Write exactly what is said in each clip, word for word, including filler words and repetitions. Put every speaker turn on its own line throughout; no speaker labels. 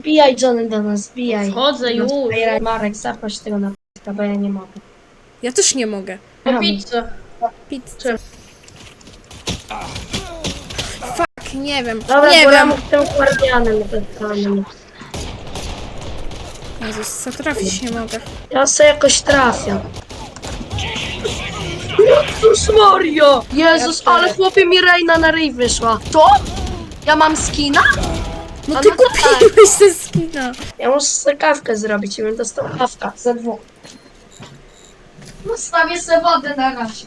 Wbijaj Johnny do nas, wbijaj.
Wchodzę już.
Marek, zaproś tego na p***a, bo ja nie mogę.
Ja też nie mogę.
Po pizzę.
Pizzę. Fuck, nie wiem.
Dobra,
nie
bo ja
wiem.
mu tym guardianem totalnym.
Jezus, zatrafić nie mogę.
Ja sobie jakoś trafię. Jezus Mario! Jezus,
Ja
ale chłopie mi Reina na ryj wyszła. To? Ja mam skina?
No
A
ty
no to tak.
kupiłeś ze skina.
Ja muszę sobie kawkę zrobić i bym dostał kawkę za dwóch. Zostawię sobie wodę na razie.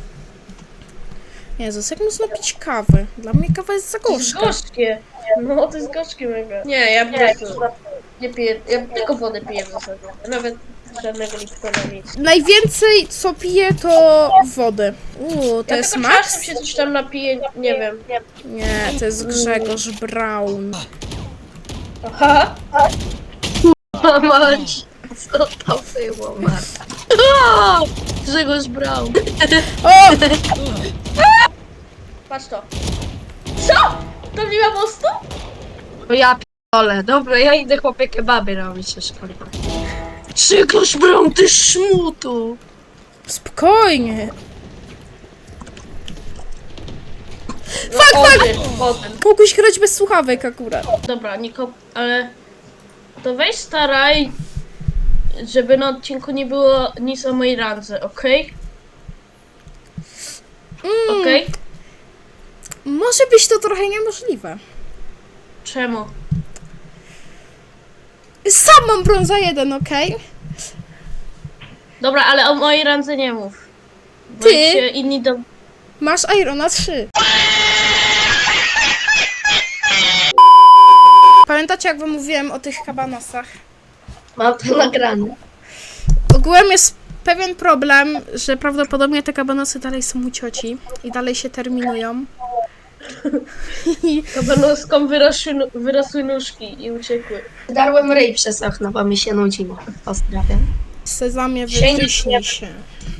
Jezus, jak można pić kawę? Dla mnie kawa jest za
To jest
gorzka.
gorzkie. No, to jest gorzkie mega. Nie, ja po prostu nie piję, ja tylko wodę piję w zasadzie. Nawet żadnego Liptona nic.
Najwięcej co piję to wodę. Uuu, to
Ja
jest
tylko
Max?
czasem się coś tam napiję, nie wiem.
Nie, to jest Grzegorz Braun.
Aha.
Mać, co to było, Marta? O! Grzegorz Braun.
O!
Patrz to. Co? To nie ma mostu?
No ja p***ole. Dobra, ja idę chłopie kebaby robić jeszcze. Grzegorz Braun, ty szmutu!
Spokojnie.
No,
Fuck, fuck!
Odyn, Odyn.
Mógłbyś grać bez słuchawek akurat.
Dobra, Niko, ale to weź staraj, żeby na odcinku nie było nic o mojej randze, okej?
Mm,
Okej?
Może być to trochę niemożliwe.
Czemu?
Sam mam brąza jeden, okej?
Dobra, ale o mojej randze nie mów. Bo
Ty?
jak się inni do...
Masz Irona trzy. Pamiętacie, jak wam mówiłem o tych kabanosach?
Mam to nagrane.
Ogółem jest pewien problem, że prawdopodobnie te kabanosy dalej są u cioci i dalej się terminują. I
Kabanoskom wyrosły, nu- wyrosły nóżki i uciekły.
Darłem ryj przez okno, bo mi się nudziło. Pozdrawiam.
sezamie
Się
wytryśnij
nie-
się.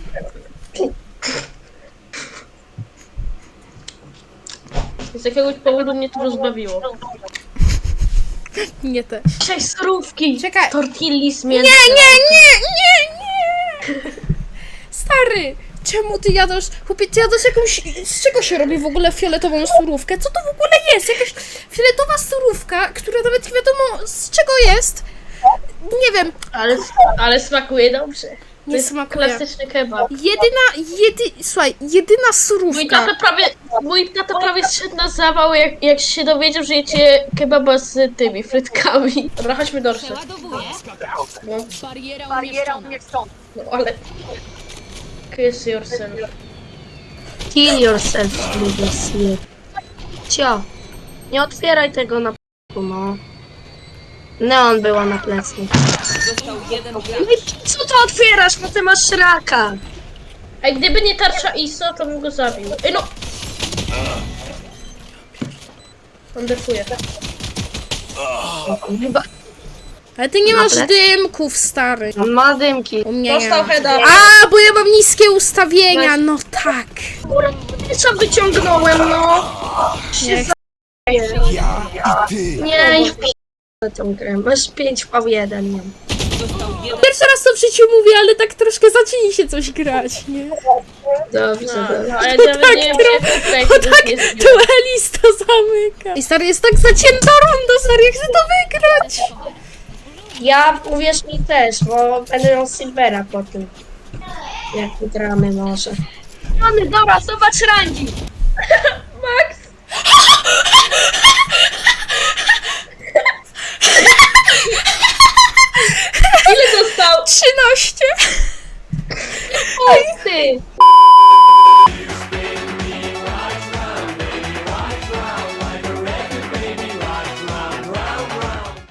Z jakiegoś powodu mnie to rozbawiło.
Nie też.
Dzisiaj surówki!
Czekaj.
Tortilli z
Nie,
mięsem.
nie, nie, nie, nie! Stary, czemu ty jadasz? Chłopie, ty jadasz jakąś... Z czego się robi w ogóle fioletową surówkę? Co to w ogóle jest? Jakaś fioletowa surówka, która nawet nie wiadomo z czego jest. Nie wiem,
Ale, ale smakuje dobrze. To
nie
jest
smakuje.
klasyczny kebab.
Jedyna, jedy... Słuchaj, jedyna
Mój
surówka...
tata prawie, mój tata prawie zszedł na zawał, jak, jak się dowiedział, że jecie kebaba z tymi frytkami. Dobra, chodźmy do Orszy.
Przeładowuję.
No,
Bariera umieszczona.
no ale... Kiss yourself.
Kill yourself, lubię sleep. Cio, nie otwieraj tego na p***u, no. Neon była na plecy. Co to otwierasz, bo ty masz raka?
A gdyby nie tarcza I S O, to bym go zabił. Ej no! On defuje.
Chyba
Ale ty nie
Na
masz
plecy?
dymków, stary.
on ma dymki.
U mnie nie
Dostał
ma.
heada.
A, bo ja mam niskie ustawienia, no tak.
Co wyciągnąłem, no?
Nie,
Nie, i w p***e tą grę. Masz pięć v jeden, nie?
Pierwszy raz to w życiu mówię, ale tak troszkę zaczyni się coś grać, nie?
Dobrze,
No,
dobrze.
a ja nawet
tak
nie wiem,
tro-
jak tutaj
Bo
to
tak
jest.
duelista zamyka. I stary, jest tak zacięta runda, stary, ja chcę to wygrać.
Ja, uwierz mi też, bo będę miał Silvera po tym. Jak wygramy może. Mamy, dobra, zobacz rangi.
Max! Ile dostał?
trzynaście.
Oj, ty.